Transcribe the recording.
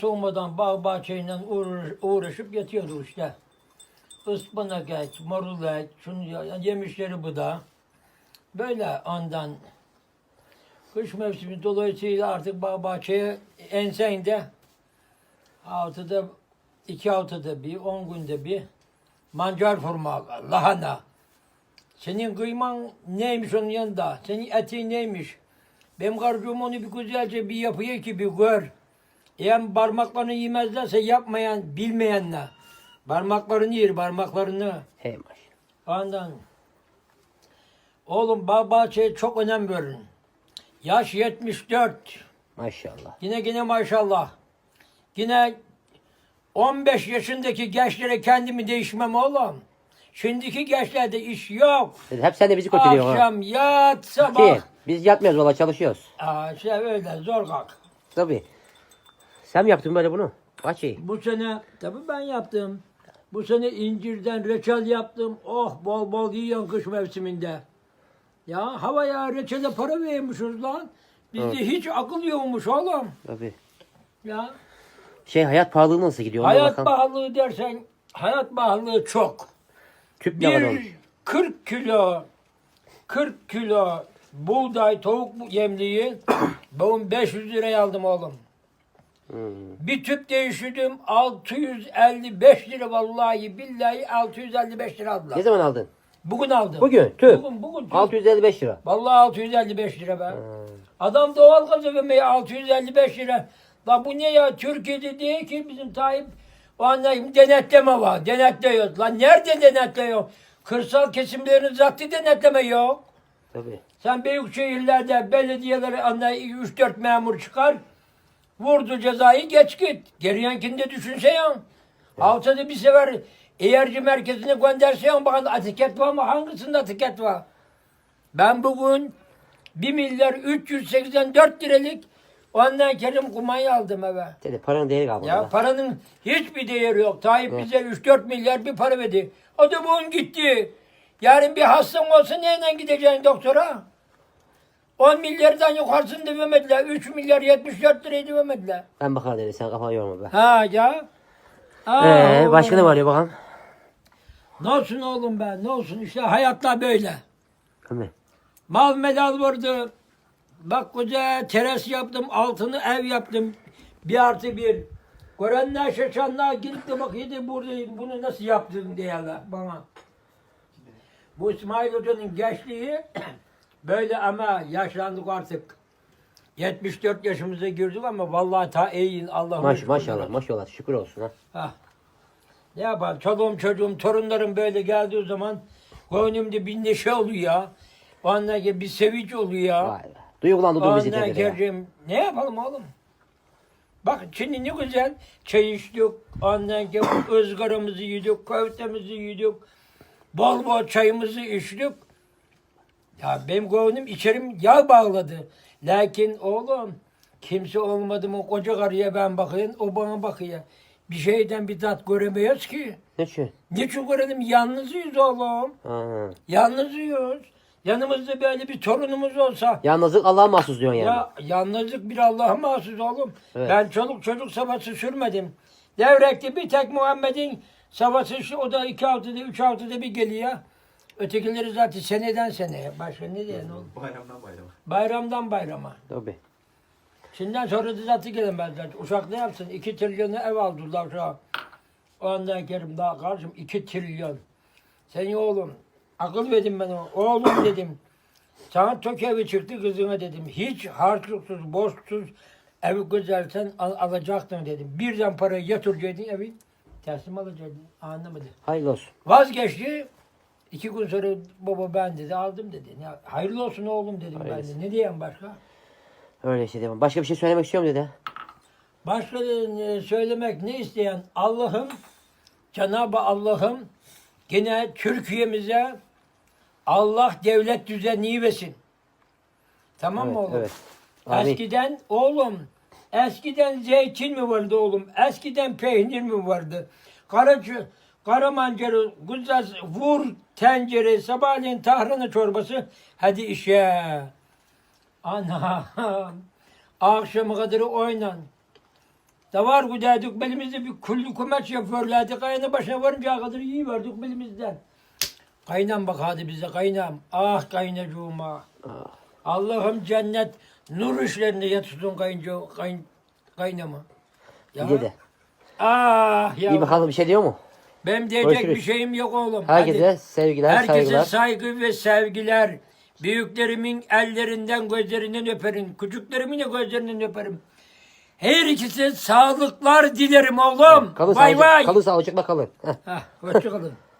Soğumadan bağ bahçeyle uğraşıp yatıyordu işte. Ispanak et, marul et, şunu yemişleri bu da. Böyle ondan kış mevsimi dolayısıyla artık bağ bahçeye ensende haftada 2 haftada bir, 10 günde bir mancar fırma, lahana. Senin kıyman neymiş onun yanında? Senin etin neymiş? Benim karıcığım onu bir güzelce bir yapıyor ki bir gör. Eğer parmaklarını yemezlerse yapmayan, bilmeyenler. Parmaklarını yer, parmaklarını. Hey maşallah. Ondan. Oğlum bağ bahçeye çok önem verin. Yaş 74. Maşallah. Yine maşallah. Yine 15 yaşındaki gençlere kendimi değişmem oğlum. Şimdiki gençlerde iş yok. Hep sen de bizi kötülüyorsun ha. Akşam yat sabah. Ki biz yatmıyoruz valla çalışıyoruz. Şey öyle zor kalk. Tabii. Sen mi yaptın böyle bunu? Kaç iyi. Bu sene tabii ben yaptım. Bu sene incirden reçel yaptım. Oh bol bol yiyorsun kış mevsiminde. Ya havaya reçele para vermişiz lan. Bizde Evet. hiç akıl yokmuş oğlum. Tabii. Ya Hayat pahalılığı nasıl gidiyor? Ona hayat bakalım. pahalılığı dersen hayat pahalılığı çok. Tüp ne kadar olmuş? Bir 40 kilo buğday tavuk yemliği ben 500 liraya aldım oğlum. Bir tüp değiştirdim 655 lira vallahi billahi 655 lira aldılar. Ne zaman aldın? Bugün aldım. Bugün tüp. Bugün tüp. 655 lira. Vallahi 655 lira be. Adam doğal gaz vermeye 655 lira. La bu ne ya? Türkiye'de değil ki bizim Tayyip. O anda denetleme var. Denetliyoruz. Lan nerede denetliyor? Kırsal kesimlerin zaten denetleme yok. Tabii. Sen büyük şehirlerde belediyelere 3-4 memur çıkar. Vurdu cezayı geç git. Geriyenkinde düşünse ya. Haftada bir sefer eğerci merkezine gönderse ya bakın etiket var mı? Hangisinde etiket var? Ben bugün 1 milyar 384 liralık ondan kerim kumanyı aldım eve. Dedi paranın değeri kalmadı. Ya paranın hiçbir değeri yok. Tayyip bize 3-4 milyar bir para verdi. O da bugün gitti. Yarın bir hastan olsa neyle gideceksin doktora? 10 milyardan yukarısını vermediler. 3 milyar 74 lirayı vermediler. Ben bakarım dedi sen kafanı yorma be. Ha ya. Başka ne var ya bakalım? Ne olsun oğlum be ne olsun işte hayatlar böyle. Değil. Mal medal vardı. Bak koca teras yaptım, altını ev yaptım. 1+1. Görenler şaşanlar gidip de bakıyordu burada bunu nasıl yaptın diyorlar bana. Bu İsmail Hoca'nın gençliği böyle ama yaşlandık artık. 74 yaşımıza girdik ama vallahi ta iyiyin Allah'ım. Maşallah şükür olsun ha. Ha. Ne yapalım çoluğum çocuğum torunlarım böyle geldiği zaman gönlümde bir neşe oluyor ya. Ondan sonra bir sevinç oluyor ya. Vay be. Duygulandırdın bizi Ondan dedi ya. sonra ne yapalım oğlum? Bak şimdi ne güzel çay içtik, ondan sonra ızgaramızı yedik, köftemizi yedik, bol bol çayımızı içtik. Ya benim gönlüm içerim yağ bağladı. Lakin oğlum kimse olmadı mı koca karıya ben bakayım, o bana bakıyor. Bir şeyden bir tat göremiyoruz ki. Niçin görelim? Yalnızıyız oğlum. Yalnızıyız. Yanımızda böyle bir torunumuz olsa. Yalnızlık Allah'a mahsus diyorsun yani. Ya yalnızlık bir Allah'a mahsus oğlum. Evet. Ben çoluk çocuk savaşı sürmedim. Devrekte bir tek Muhammed'in savaşı o da 2 haftada 3 haftada bir geliyor. Ötekileri zaten seneden seneye. Başka ne diyelim oğlum? Bayramdan bayrama. Bayramdan bayrama. Tabii. Şimdiden sonra da zaten gelemezler. Uşak ne yapsın? 2 trilyonu ev aldılar şu an. Ondan kerim daha karşım 2 trilyon. Senin oğlum akıl verdim ben ona. Oğlum dedim. Sana çok evi çıktı kızına dedim. Hiç harçlıksız, borçsuz evi güzelsen alacaktın dedim. Birden parayı yatıracaktın evi. Teslim alacaktın. Anlamadı. Hayırlı olsun. Vazgeçti. 2 gün sonra baba ben dedi aldım dedi. Ya, hayırlı olsun oğlum dedim Hayırlısı. ben de. Ne diyeyim başka? Öyle işte devam. Başka bir şey söylemek istiyorum dedi. Başka söylemek ne isteyen Allah'ım, Cenab-ı Allah'ım gene Türkiye'mize Allah devlet düzeni versin. Tamam mı oğlum? Evet. Amin. Eskiden oğlum, eskiden zeytin mi vardı oğlum? Eskiden peynir mi vardı? Kara mancarı, güzel vur tencere, sabahleyin tahrana çorbası, hadi işe. Anam, akşama kadar oynan. Davar güderdik belimizde bir kullu kumaş yapıyorlardı. Kayanın başına varınca kadar iyi verdik belimizden. Kaynam bakardı bize kaynam. Ah kaynacığım ah. Allah'ım cennet nur işlerinde yatırsın kaynama. Ya. Dede. Ah ya. İyi bakalım bir şey diyor mu? Benim diyecek Görüşürüz. bir şeyim yok oğlum. Herkese Hadi. sevgiler, Herkese saygılar. saygı ve sevgiler. Büyüklerimin ellerinden, gözlerinden öperim. Küçüklerimin de gözlerinden öperim. Her ikisi sağlıklar dilerim oğlum. Kalın Vay vay. sağlıcakla kalın. Heh. Hah, hoşça kalın.